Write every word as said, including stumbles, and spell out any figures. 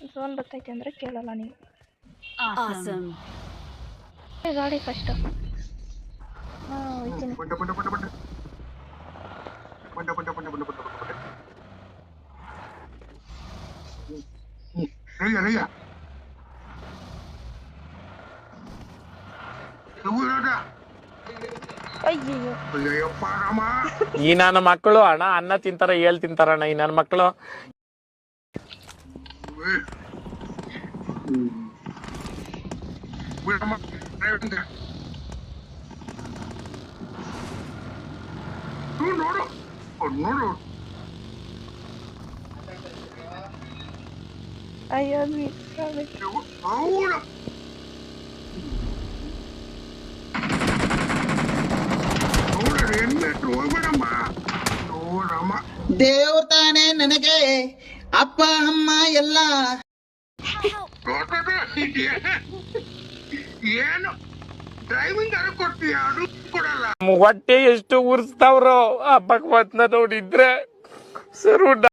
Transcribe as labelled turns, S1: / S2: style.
S1: Zone ಬರ್ತೈತೆ ಅಂದರೆ ಕೇಳಲ್ಲ ನೀವು.
S2: Awesome.
S1: ಗಾಡಿ ಫಸ್ಟ್. ಹಾಂ ಹೋಯ್ತೀನಿ.
S3: ಬಂಡ ಬಂಡ ಬಂಡ ಬಂಡ ಬಂಡ ಬಂಡ ಬಂಡ ಬಂಡ ಬಂಡ ಬಂಡ ರಯ್ಯ ರಯ್ಯ
S1: ಅಯ್ಯಯ್ಯೋ
S3: ಅಯ್ಯಪ್ಪ ರಾಮ.
S4: ಈ ನನ್ನ ಮಕ್ಕಳು ಅಣ್ಣ ಅನ್ನ ತಿಂತಾರ ಹೇಳ್ ತಿಂತಾರಣ್ಣ ಈ ನನ್ನ ಮಕ್ಕಳು.
S3: ಬಿಡಮ್ಮ ನೋಡು ನೋಡು
S1: ಅಯ್ಯೋ ಮಿಸ್ ಆಗುತ್ತೆ.
S3: ಹೌದು ನೋಡ್ರಿ ಹೆಣ್ಣೆಟ್ಟು ಹೋಗ್ಬೇಡಮ್ಮ. ನೋಡಮ್ಮ
S5: ದೇವ್ರ ತಾನೇ ನನಗೆ ಅಪ್ಪ ಅಮ್ಮ ಎಲ್ಲ.
S3: ಏನು ಡ್ರೈವಿಂಗ್ ಅರ ಕೊಡ್ತೀಯ ಅದು ಕೊಡಲ್ಲ.
S4: ಹೊಟ್ಟೆ ಎಷ್ಟು ಉರ್ಸ್ತಾವ್ರೋ ಆ ಭಗವಂತನ ನೋಡಿದ್ರೆ ಸರು